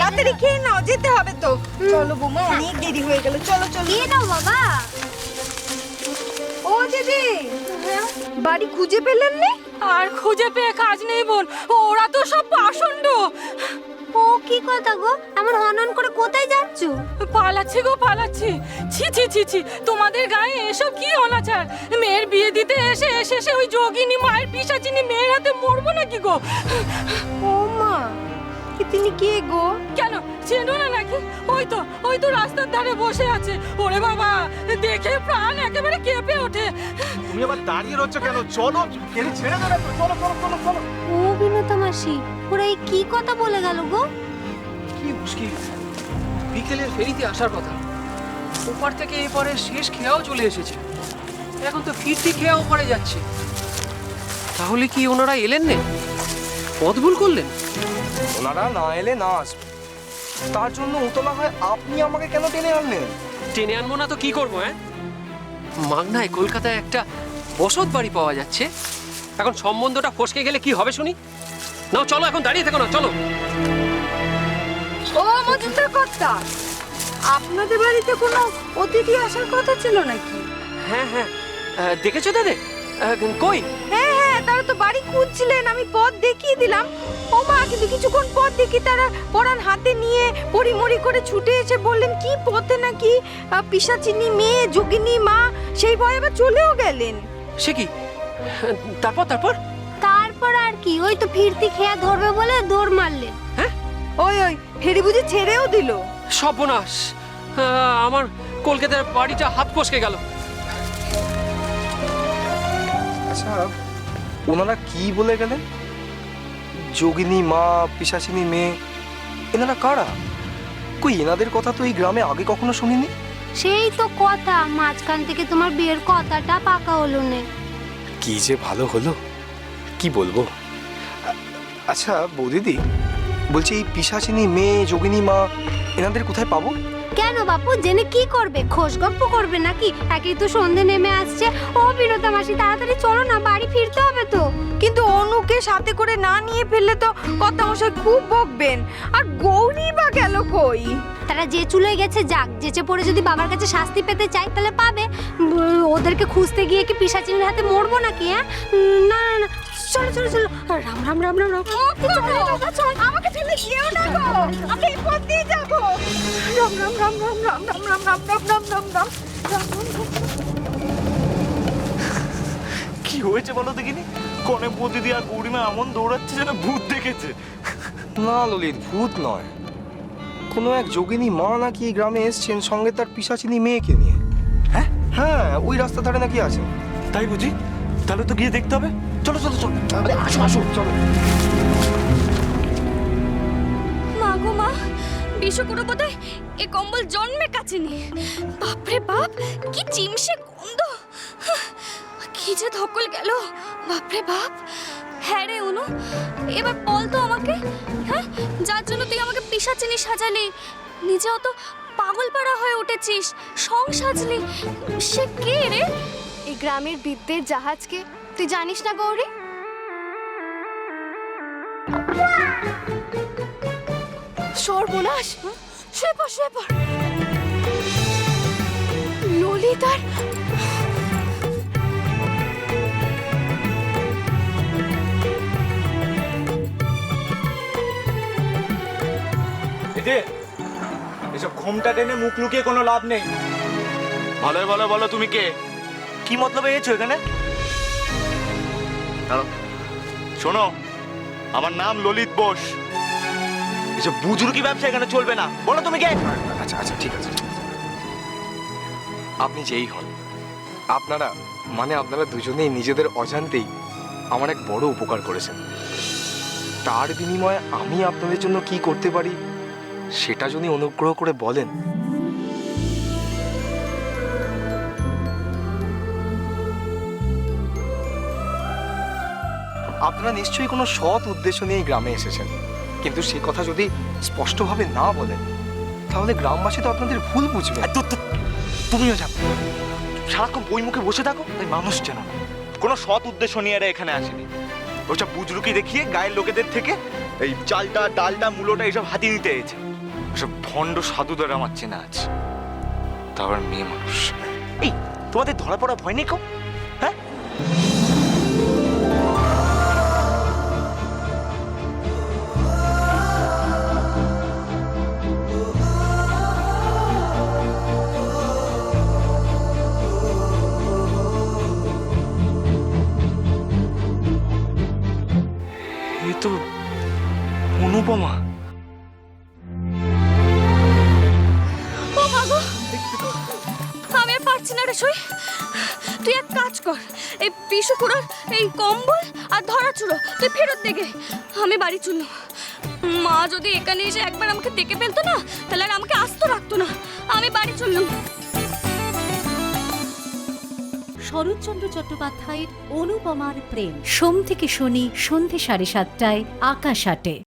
তাড়াতাড়ি খেয়ে নাও, যেতে হবে তো। চলো বৌমা, অনেক দেরি হয়ে গেল, চলো চলো। খেয়ে নাও বাবা। ও দিদি, বাড়ি খুঁজে পেলেন না? আর খুঁজে পেয়ে কাজ নেই বোন, ওরা তো সব পাষণ্ড। ও কি কথা গো, এমন হনন করে কোথায় যাচ্ছ? পালাচ্ছি গো পালাচ্ছি। ছি ছি ছি ছি, তোমাদের গায়ে এসব কি অনাচার! মেয়ের বিয়ে দিতে এসে এসে ওই যোগিনী মায়ের পিশাচিনী মেয়ের হাতে মরবো নাকি গো? ও মা, কি তিনি কে গো? কেন চেনো না নাকি? ওই তো রাস্তার ধারে বসে আছে। ওরে বাবা, দেখে প্রাণ একেবারে কেঁপে ওঠে। তুমি আবার দাঁড়িয়ে রচ্ছ কেন? চলো, এর ছেড়ে দেবে তো। চলো চলো চলো চলো। ও বিনোতা মাসি, ওরা এই কি কথা বলে গেল গো? কি মুশকিল, বিকেলের ফেরিতে আসার কথা, ওপার থেকে এপারে শেষ খেয়াও চলে এসেছে, এখন তো ফিরতি খেয়া ওপারে যাচ্ছে। তাহলে কি ওনারা এলেন না? পথ ভুল করলেন? ওনারা না এলে না আসবে, তার জন্য উতলা হয় আপনি আমাকে কেন টেনে আনলেন? টেনে আনবো না তো কি করবো? মাগনায় কলকাতায় একটা বসত বাড়ি পাওয়া যাচ্ছে, এখন সম্বন্ধটা ফসকে গেলে কি হবে শুনি? নাও চলো, এখন দাঁড়িয়ে থেকো না, চলো। ও মজুমদার কর্তা, আপনাদের বাড়িতে কোনো অতিথি আসার কথা ছিল নাকি? হ্যাঁ হ্যাঁ, দেখেছো দাদা? কই? হ্যাঁ হ্যাঁ, তারা তো বাড়ি খুঁজছিলেন, আমি পথ দেখিয়ে দিলাম। ও মা, কিন্তু কিছুক্ষণ পর দেখি তারা পরান হাতে নিয়ে পরিমরি করে ছুটে এসে বললেন কি পথে নাকি পিশাচিনী মেয়ে যোগিনী মা, সেই ভয়ে আবার চলেও গেলেন। সে কি? তারপর তারপর তারপর আর কি, ওই তো ফিরতি খেয়া ধরবে বলে দৌড় মারলেন। ওই ফেরি বুঝি ছেড়েও দিল? সর্বনাশ, আমার কলকাতার বাড়িটা হাত ফসকে গেল। আচ্ছা, ওনারা কি বলে গেলেন? যোগিনী মা, পিশাচিনী মেয়ে, এনারা কারা? কই, এনাদের কথা তো এই গ্রামে আগে কখনো শুনিনি। সেই তো কথা, মাঝখান থেকে তোমার বিয়ের কথাটা পাকা হলো না। কি যে ভালো হলো, কি বলবো। আচ্ছা বৌদিদি, বলছি এই পিশাচিনী মেয়ে, যোগিনী মা, এনাদের কোথায় পাবো? কেন বাপু, জেনে কি করবে? খোশ গপ্প করবে নাকি? একই তো সন্ধে নেমে আসছে। ও বিনোতা মাসি, তাড়াতাড়ি চলো না, বাড়ি ফিরতে হবে তো। কিন্তু অনুকে সাথে করে না নিয়ে ফেললে তো কর্তামশাই খুব বকবেন। আর গৌরী বা গেল কই? তারা যে চুলে গেছে যাক, যেচে পড়ে যদি বাবার কাছে শাস্তি পেতে চাই তাহলে পাবে। ওদেরকে খুঁজতে গিয়ে কি পিশাচিনীর হাতে মরবো নাকি? না না না, চলো চলো চলো, রাম রাম রাম রাম রাম। আমাকে ফেলে যেও না গো, আমরা এই পথ দিয়ে যাবো। রাম রাম রাম রাম রাম রাম রাম রাম রাম রাম রাম রাম। কি হয়েছে বলো দেখিনি? কনে প্রতিদি আর গৌরিমা এমন দৌড়াচ্ছে যেন ভূত দেখেছে। না ললিত, ভূত নয়, কোনো এক যোগিনী মা নাকি এই গ্রামে এসছেন, সঙ্গে তার পিশাচিনী মেয়েকে নিয়ে। হ্যাঁ হ্যাঁ, ওই রাস্তা ধারে নাকি আছে। তাই বুঝি? তাহলে তো গিয়ে দেখতে হবে। চলো চলো চলো, আরে আসো আসো, চলো। মা গো মা, বিশ্বকুড়ো বোধহয় এ কম্বল জন্মে কাছেনি। বাপরে বাপ, কি চিমসে গন্ধ! কি যে ধকল গেল, বাপরে বাপ। হ্যাঁ রে অনু, এবার বল তো আমাকে, হ্যাঁ, যার জন্য তুই আমাকে পিশাচিনী সাজালি, নিজেও তো পাগলপাড়া হয়ে উঠেছিস, সং সাজলি, সে কে রে? এই গ্রামের বিদ্যের জাহাজকে তুই জানিস না গৌরী? সর্বনাশ, শুয়ে পড় শুয়ে পড়। ললিতার এসব ঘোমটা টেনে মুখ লুকিয়ে কোনো লাভ নেই। ভালো ভালো বলো, তুমি কে? কি মতলবে এসেছো এখানে? দাঁড়াও, শোনো, আমার নাম ললিত বোস। এসব বুজুর্গি ব্যবসা এখানে চলবে না। বলো তুমি কে? আচ্ছা আচ্ছা, ঠিক আছে ঠিক আছে। আপনি যেই হন, আপনারা আপনারা দুজনেই নিজেদের অজান্তেই আমার এক বড় উপকার করেছেন। তার বিনিময়ে আমি আপনাদের জন্য কি করতে পারি সেটা যদি অনুগ্রহ করে বলেন। আপনারা নিশ্চয়ই কোনো সৎ উদ্দেশ্য নিয়ে এই গ্রামে এসেছেন, কিন্তু সে কথা যদি স্পষ্টভাবে না বলেন তাহলে গ্রামবাসী তো আপনাদের ভুল বুঝবে। তুমিও যাও, সারাক্ষণ বই মুখে বসে থাকো, তাই মানুষ চেনো না। কোনো সৎ উদ্দেশ্য নিয়ে এরা এখানে আসেনি। ওসব বুজরুকি দেখিয়ে গায়ের লোকেদের থেকে এই চালটা ডালটা মূলোটা এইসব হাতি নিতে এসেছে। এসব ভণ্ড সাধুদের আমার চেনা আছে, তারপর মেয়ে মানুষ। এই তোমাদের ধরা পড়া ভয় নেই কো? হ্যাঁ এ তো অনুপমা। ও মা গো, আমি আর পারছি না রে সই। তুই এক কাজ কর, এই বিশুকুড়ার এই কম্বল আর ধরা চুড়ো তুই ফেরত দেগে, আমি বাড়ি চললাম। মা যদি এখানে এসে একবার আমাকে দেখে ফেলতো না, তাহলে আর আমাকে আস্ত রাখতো না। আমি বাড়ি চললাম। শরৎচন্দ্র চট্টোপাধ্যায়ের অনুপমার প্রেম, সোম থেকে শনি সন্ধে 7:30টায় আকাশ আটে।